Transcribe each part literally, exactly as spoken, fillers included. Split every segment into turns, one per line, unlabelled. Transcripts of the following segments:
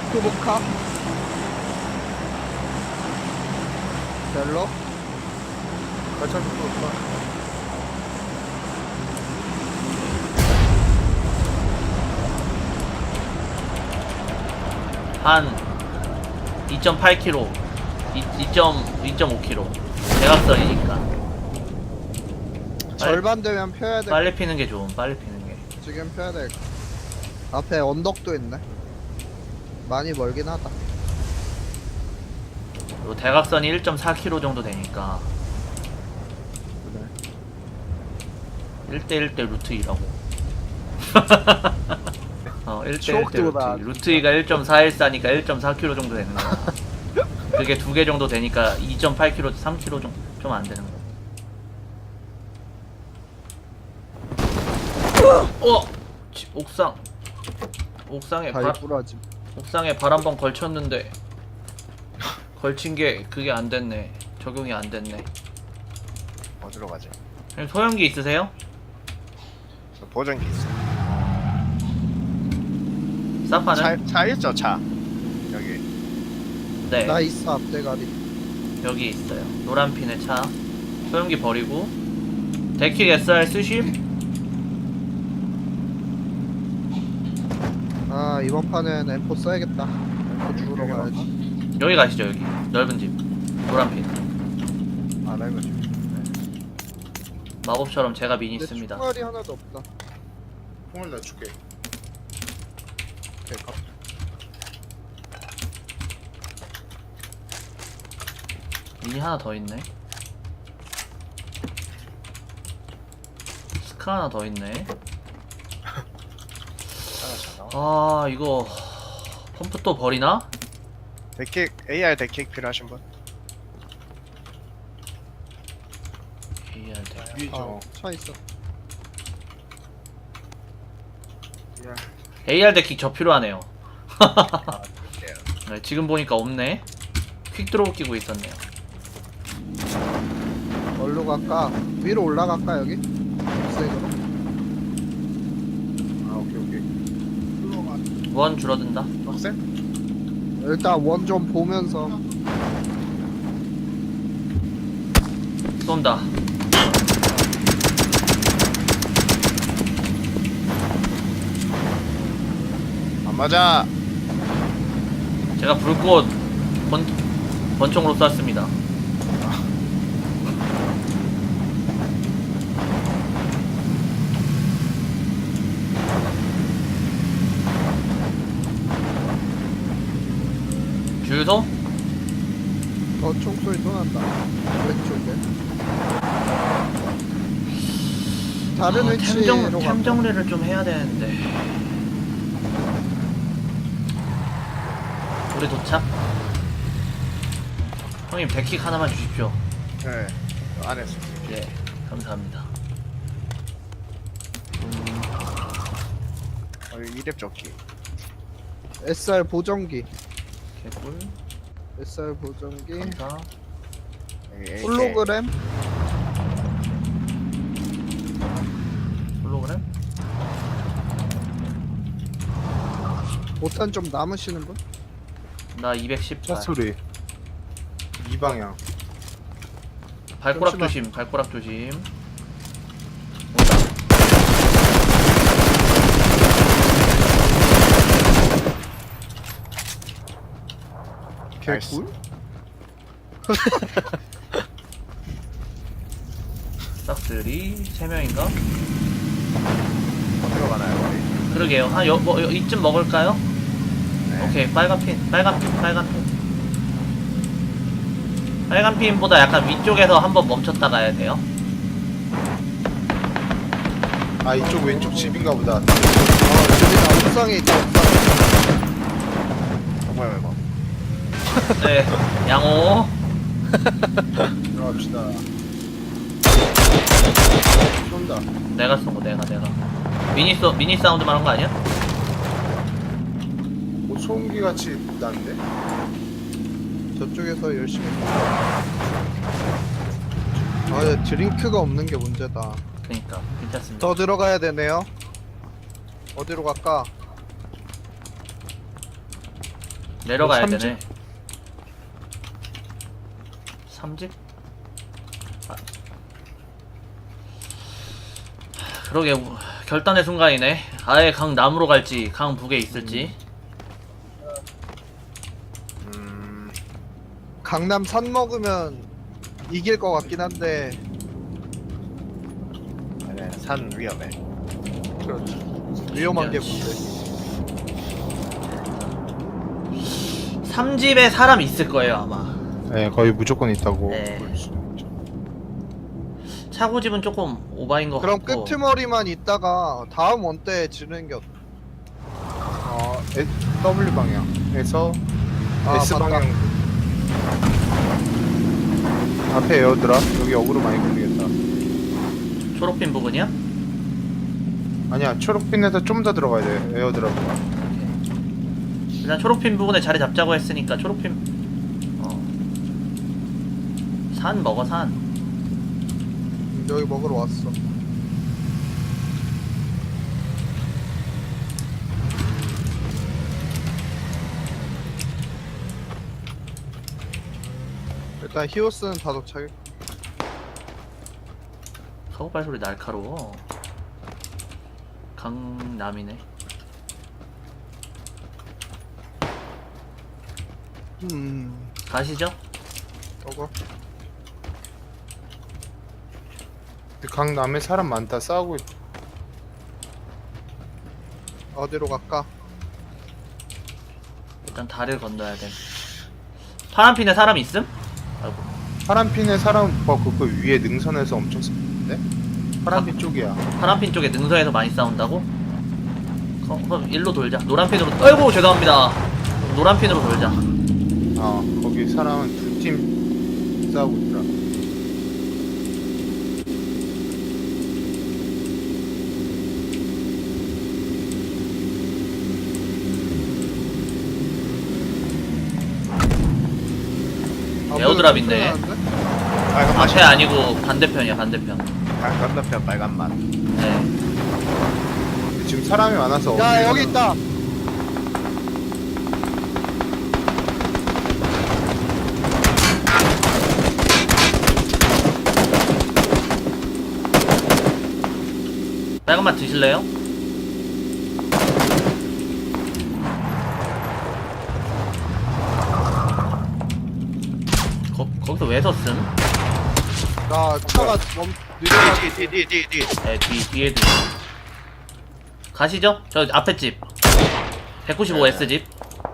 투보카 벨로
걸쳐 좀 볼까?
한 이 점 팔 킬로미터, 이 점 오 킬로미터. 대각선이니까.
절반 되면 펴야 돼.
빨리 피는 게 좋음, 빨리 피는 게.
지금 펴야 돼. 앞에 언덕도 있네. 많이 멀긴 하다.
요 대각선이 일 점 사 킬로미터 정도 되니까. 일 대 일 대 루트 이라고. 어, 일 대 일 대 루트.
추억도다.
루트 이가 일 점 사일사니까 일 점 사 킬로미터 정도 되는 거야. 그게 두 개 정도 되니까 이 점 팔 킬로미터, 삼 킬로미터 좀 좀 안 되는 거. 어! 지- 옥상. 옥상에 바,
다리 부러짐.
옥상에 발 한 번 걸쳤는데 걸친 게 그게 안 됐네. 적용이 안 됐네.
어디로 가지?
형님, 소형기 있으세요?
저 보정기 있어.
사파는?
차, 차 있죠, 차. 여기.
네.
나 있어 앞대가리.
여기 있어요. 노란 핀의 차. 소형기 버리고. 데킥 에스알 쓰심?
아 이번 판은 엠포 써야겠다. 엠포 주우러
여기
가야지.
여기 가시죠, 여기. 넓은 집. 노란 핀.
아, 나 이거 좀.
마법처럼 제가 미니
근데
씁니다.
총알이 하나도 없다.
총을 넣어줄게.
오케이, 가.
미니 하나 더 있네. 스카 하나 더 있네.
하나 잘 나와.
아, 이거 펌프 또 버리나?
데킥, 에이알 데킥 필요하신 분?
에이알 대.
위죠.
아, 차 있어.
야,
에이알 데킥 저 필요하네요.
아, 볼게요.
네, 지금 보니까 없네. 퀵 드로우 끼고 있었네요.
어디로 갈까? 위로 올라갈까 여기? 색으로?
아, 오케이, 오케이. 흘러가.
원 줄어든다.
넉세?
일단 원 좀 보면서.
쏜다.
안 맞아.
제가 불꽃 번, 번총으로 쐈습니다. 주유소?
어 총소리 또 난다. 왼쪽에. 다른
아,
위치로
템정,
갈까?
템 정리를 좀 해야 되는데. 우리 도착? 형님 백킥 하나만 주십시오.
네. 안 했어.
예, 감사합니다.
어, 이랩 조끼.
에스알 보정기.
개꿀.
에스알 보정기.
감사.
여기 에이케이.
홀로그램.
홀로그램?
오탄 좀 남으시는 분?
나 이백십팔.
차소리 이 방향.
발꼬락
잠시만.
조심, 발꼬락 조심. 온다.
나이스.
개꿀?
싹들이 세 명인가?
어디로 가나요, 우리?
그러게요. 한 여, 뭐, 여, 이쯤 먹을까요?
네.
오케이, 빨간 핀, 빨간 핀, 빨간 핀. 빨간 핀보다 약간 위쪽에서 한번 멈췄다 가야 돼요.
아 이쪽 왼쪽 집인가 보다.
어 저기다 옥상에 있다 옥상에.
뭐야, 이거?
네, 양호.
들어갑시다. 쏜다.
내가 쏜거, 내가, 내가. 미니 소, 미니 사운드 말한 거 아니야?
뭐 소음기 같이 난데?
저쪽에서 열심히. 아 근데 드링크가 없는 게 문제다.
그니까, 괜찮습니다.
더 들어가야 되네요. 어디로 갈까?
내려가야
삼집?
되네. 삼집? 아. 그러게 우- 결단의 순간이네. 아예 강 남으로 갈지 강 북에 있을지.
음.
강남 산 먹으면 이길 것 같긴 한데.
아니야, 산 위험해.
그렇죠. 위험한 게
야,
문제.
삼집에 사람 있을 거예요 아마.
네, 거의 무조건 있다고.
네.
볼 수 있죠.
차고집은 조금 오바인 것
그럼
같고.
끄트머리만 있다가 다음 원 때 지는 게 어때?
어, 에- W 방향에서
아,
S
맞다.
방향. 앞에 에어드랍. 여기 어그로 많이 걸리겠다.
초록핀 부분이야?
아니야, 초록핀에서 좀 더 들어가야 돼. 에어드랍.
일단 초록핀 부분에 자리 잡자고 했으니까 초록핀 어. 산 먹어 산.
여기 먹으러 왔어. 일단 히오스는 다 도착해.
카고팔 소리 날카로워. 강남이네.
음,
가시죠.
저거.
근데 강남에 사람 많다. 싸우고 있...
어디로 갈까?
일단 다리를 건너야 돼. 파란핀에 사람 있음? 아이고.
파란핀에 사람 뭐 그거 위에 능선에서 엄청 싸는데? 파란핀 쪽이야.
파란핀 쪽에 능선에서 많이 싸운다고? 어, 그럼 일로 돌자. 노란핀으로. 아이고 죄송합니다. 노란핀으로 돌자.
어, 거기 사람은 두 팀 싸우고 있더라.
에어드랍 있네.
빨간 맛이.
앞에 아니고 반대편이야 반대편.
강 건너편 빨간 맛.
네.
근데 지금 사람이 많아서
야,
어디에
여기
가나-
있다.
빨간맛 드실래요? 거, 거기서 왜 섰음?
나 차가 멈 느려가지고.
뒤뒤뒤뒤.
네, 뒤, 뒤에도. 가시죠? 저 앞에 집. 백구십오 에스 집.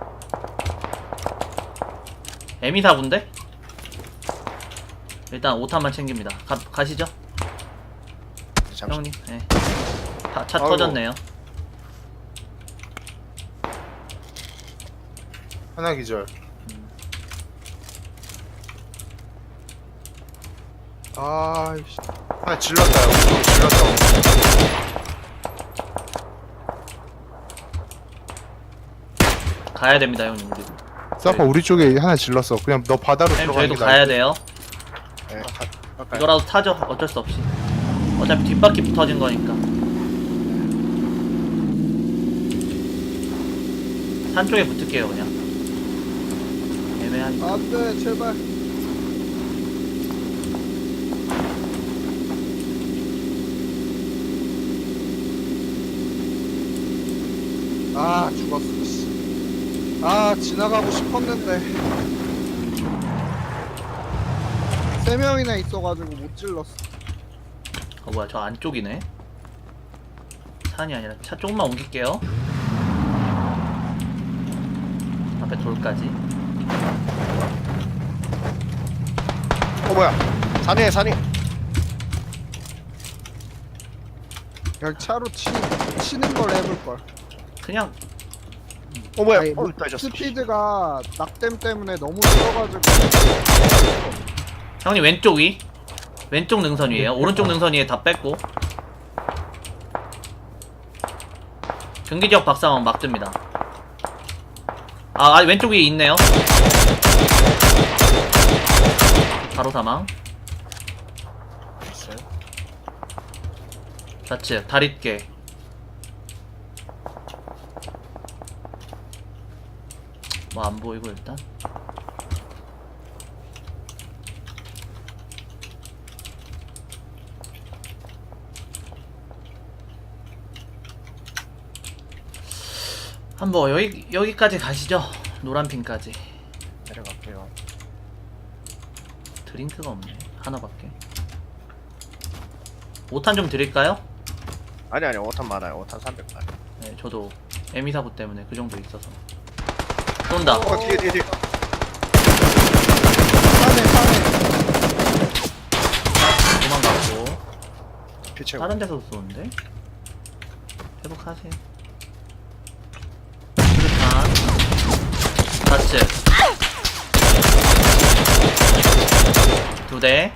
에미사군데? 일단 오탄만 챙깁니다. 가, 가시죠?
잠시.
형님. 네. 다, 차
아이고.
터졌네요.
하나 기절.
아이씨.
하나 질렀다. 우리 쪽에 질렀다.
가야 됩니다, 형님. 우리.
사파 우리 쪽에 하나 질렀어. 그냥 너 바다로
형님,
들어가는
저희도
게
가야
나을
돼요.
네, 가, 가까이.
이거라도 타죠. 어쩔 수 없이. 어차피 뒷바퀴 붙어진 거니까. 산 쪽에 붙을게요, 그냥. 애매하니까.
안돼, 제발. 아, 죽었어. 씨. 아, 지나가고 싶었는데. 세 명이나 있어가지고 못 질렀어.
어, 뭐야, 저 안쪽이네. 산이 아니라 차 조금만 옮길게요. 앞에 돌까지.
어 뭐야? 산이에 산이.
그냥 차로 치, 치는 걸 해볼걸.
그냥
어 뭐야?
아니,
어
뭐,
떨어졌어.
스피드가 낙댐 때문에 너무 쉬어가지고.
형님 왼쪽 위. 왼쪽 능선 위에요. 오른쪽 능선 위에 다 뺐고. 경기지역 박사만 막 듭니다. 아, 아 왼쪽 위에 있네요. 바로 사망.
있어요?
좌측 다릿개. 뭐 안 보이고 일단. 한번 여기 여기까지 가시죠. 노란 핀까지.
내려갈게요.
드링크가 없네. 하나밖에. 오탄 좀 드릴까요?
아니 아니 오탄 많아요. 오탄 삼백 발.
네, 저도 에미사부 때문에 그 정도 있어서. 쏜다.
어 뒤에 뒤에 뒤에.
산에 산에.
도망갔고.
피 채고.
다른 데서 쏘는데? 회복하세요. 수류탄. 좌측. 두 대.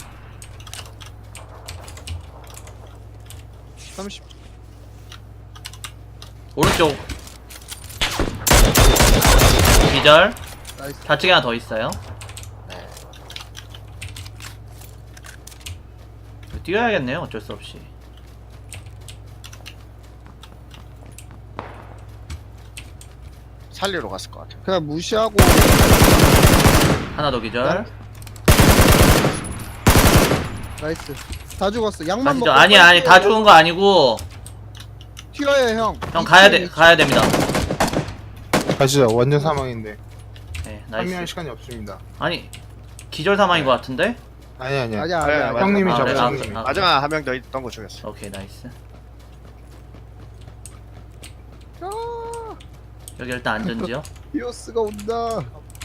삼십.
오른쪽. 기절.
나이스.
좌측에 하나 더 있어요.
네.
뛰어야겠네요. 어쩔 수 없이.
살리러 갔을 것 같아요.
그냥 무시하고.
하나 더 기절.
나이스. 다 죽었어. 약만
가시죠.
먹고.
아니 아니 다 죽은 거 아니고
튀어요 형.
형 가야 돼 가야 됩니다.
가시죠. 완전 사망인데
네,
합류할
나이스.
시간이 없습니다.
아니 기절 사망인 것 같은데?
아니 아니.
아니야
아니,
아니야.
아니,
형님이
아,
잡으
그래?
셨
아,
형님이.
아.
마지막 한 명 더 있던 거 죽였어.
오케이 나이스.
야,
여기 일단 안전지요.
히오스가 온다.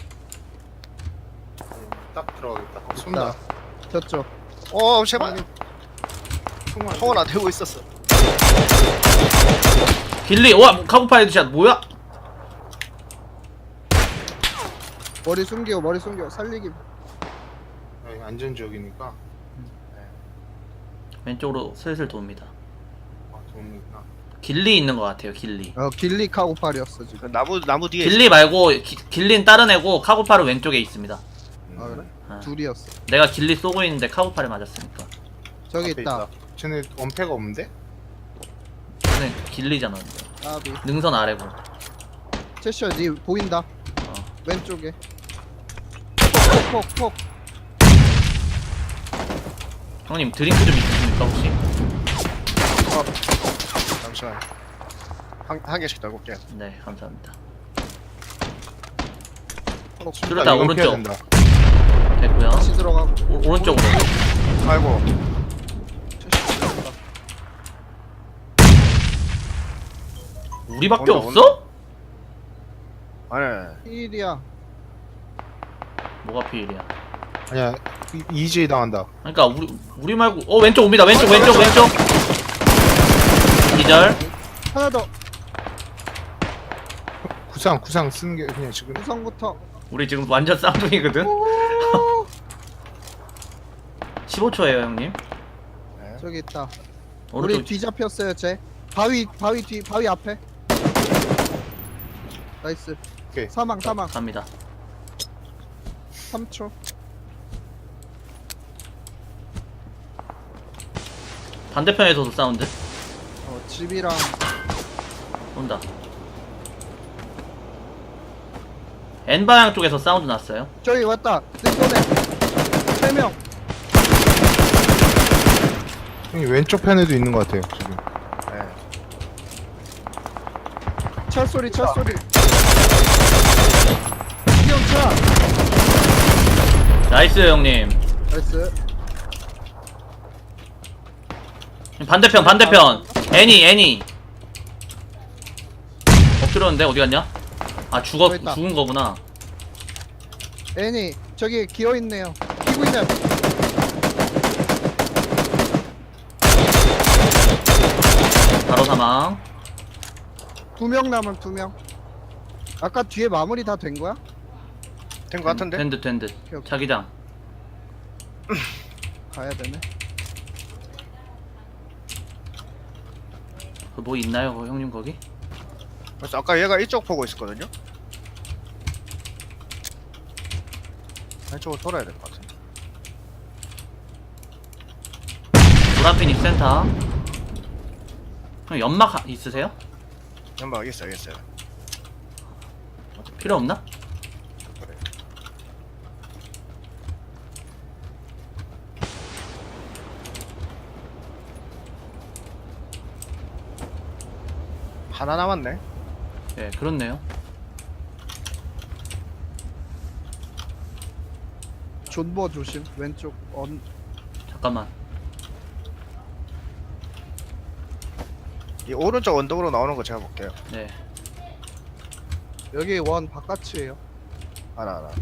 딱 들어가겠다. 쏜다.
저쪽.
어 제발.
총알.
총을 안 들고 있었어.
길리 와 카고파 헤드샷 뭐야?
머리 숨기고 머리 숨기고 살리기.
여기 안전 지역이니까.
왼쪽으로 슬슬 돕니다.
아, 좋으니까.
길리 있는 것 같아요. 길리.
어 길리 카고팔이었어 지금.
그 나무 나무 뒤에.
길리 말고 기, 길리는 다른 애고 카고파는 왼쪽에 있습니다.
아 그래?
아,
둘이었어.
내가 길리 쏘고 있는데 카고파를 맞았으니까.
저기
앞에
있다.
쟤네 원패가 없는데?
근데 길리잖아. 근데.
아비.
능선 아래고.
채셔 니 보인다.
어.
왼쪽에. 폭폭폭.
형님 드링크 좀 있으십니까 혹시?
잠시만. 한, 한 개씩 더 볼게요.
네 감사합니다.
수류탄
수류탄
이건 피해야
오른쪽.
된다.
됐고요.
다시 들어가고.
오, 오른쪽으로.
아이고.
채셔 들어간다.
우리밖에
온다,
없어?
아니.
일이야.
뭐가 피일이야?
아니야. 이- 이지에이 당한다.
그러니까 우리 우리 말고 어 왼쪽 옵니다. 왼쪽 왼쪽 왼쪽. 기절.
하나 더.
구상 구상 쓰는 게 그냥 지금.
구성부터.
우리 지금 완전 쌍둥이거든.
오,
십오 초예요 형님.
네.
저기 있다. 우리
오른쪽.
뒤잡혔어요 쟤. 바위 바위 뒤 바위 앞에. 나이스.
오케이.
사망 사망.
갑니다.
삼 초.
반대편에서도 사운드.
어 집이랑
온다. N 방향 쪽에서 사운드 났어요.
저기 왔다. 내 세 명.
형이 왼쪽 편에도 있는 것 같아요. 지금.
네.
차 소리 차 소리. 이형차.
나이스 형님.
나이스.
반대편 반대편. 애니 애니. 엎드렸는데 어디 갔냐? 아 죽었
저기 있다.
죽은 거구나.
애니 저기 기어 있네요. 끼고 있네.
바로 사망.
두 명 남은 두 명. 아까 뒤에 마무리 다 된 거야?
된 거 같은데?
된듯 된듯.
오케이, 오케이.
자기장.
가야 되네.
그 뭐 있나요, 그 형님 거기?
그래서 아까 얘가 이쪽 보고 있었거든요. 왼쪽으로 돌아야 될 것 같은데.
노란핀 입센터. 형 연막 하- 있으세요?
연막 있어요, 있어요.
필요 없나?
하나 남았네.
예, 그렇네요.
존버 조심. 왼쪽 언
잠깐만.
이 오른쪽 언덕으로 나오는 거 제가 볼게요.
네.
여기 원 바깥이에요.
하나 하나.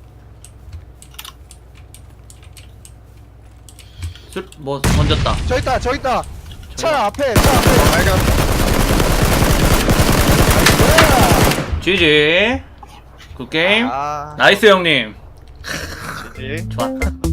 술, 뭐, 던졌다.
저 있다, 저 있다.
저기요.
차 앞에, 차 앞에.
발견.
지지. 굿게임.
아,
나이스 형님.
지지.
좋았다.